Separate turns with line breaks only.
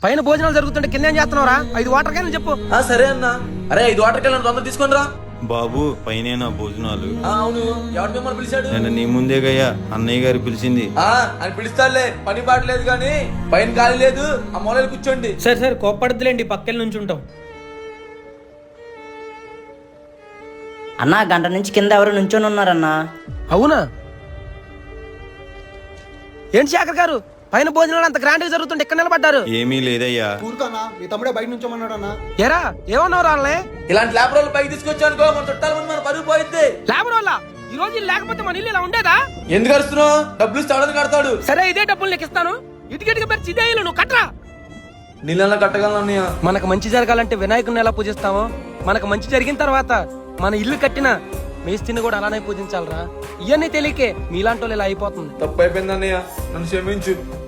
పైన భోజనాలు జరుగుతుంటే కింద ఏం చేస్తున్నావురా? 5 వాటర్ క్యాన్లు చెప్పు.
సరే అన్న. అరే 5 వాటర్ క్యాన్లు తొందర తీసుకొని రా.
బాబు పైన భోజనాలు.
అవును, ఎవరు మిమ్మల్ని పిలిచాడు?
నేను నీ ముందే గయ్యా అన్నయ్య గారు పిలిచింది.
అని పిలుస్తాడులే, పని పాటలేదు కానీ పైన ఖాళీ లేదు, ఆ మూలలు కూర్చోండి.
సరే కోప్పడద్దులేండి, పక్కన నుంచి ఉంటాం.
అన్నా గంట నుంచి కింద ఎవరు నుంచొని ఉన్నారన్నా.
అవునా? ఏంటి శేఖర్ గారు, పైన భోజనాలు అంత గ్రాండ్ గా జరుగుతుంటే ఇక్కడ నిలబడ్డారు?
ఏమీ లేదయ్యా.
ఊరుకన్నా, మీ తమ్ముడే బయట నుంచోమన్నాడు అన్న.
ఎరా ఏమన్నావు రాళ్ళే?
ఇలాంటి ల్యాబ్ రోల్ పైకి తీసుకొచ్చానుకో మన చుట్టాల ముందు మన పరుగు పోయిద్ది.
లేబర్ వల్ల ఈ రోజు లేకపోతే మన ఇల్లు ఇలా ఉండేదా?
ఎందుకు కడుస్తున్నావు? డబ్బులు ఇస్తే ఎవడని కడతాడు.
సరే ఇదే డబ్బులు నీకు ఇస్తాను, ఇటుకిటికి పెరిచి ఇదే ఇల్లు నువ్వు కట్టరా.
నీళ్ళ కట్టగలను అన్నయ్య.
మనకు మంచి జరగాలంటే వినాయకుడిని ఎలా పూజిస్తామో, మనకు మంచి జరిగిన తర్వాత మన ఇల్లు కట్టిన మేస్తిని కూడా అలానే పూజించాలరా. ఇవన్నీ తెలియకే మీలాంటి వాళ్ళు ఇలా అయిపోతుంది.
తప్పు అయిపోయింది అన్నయ్య, నన్ను క్షమించు.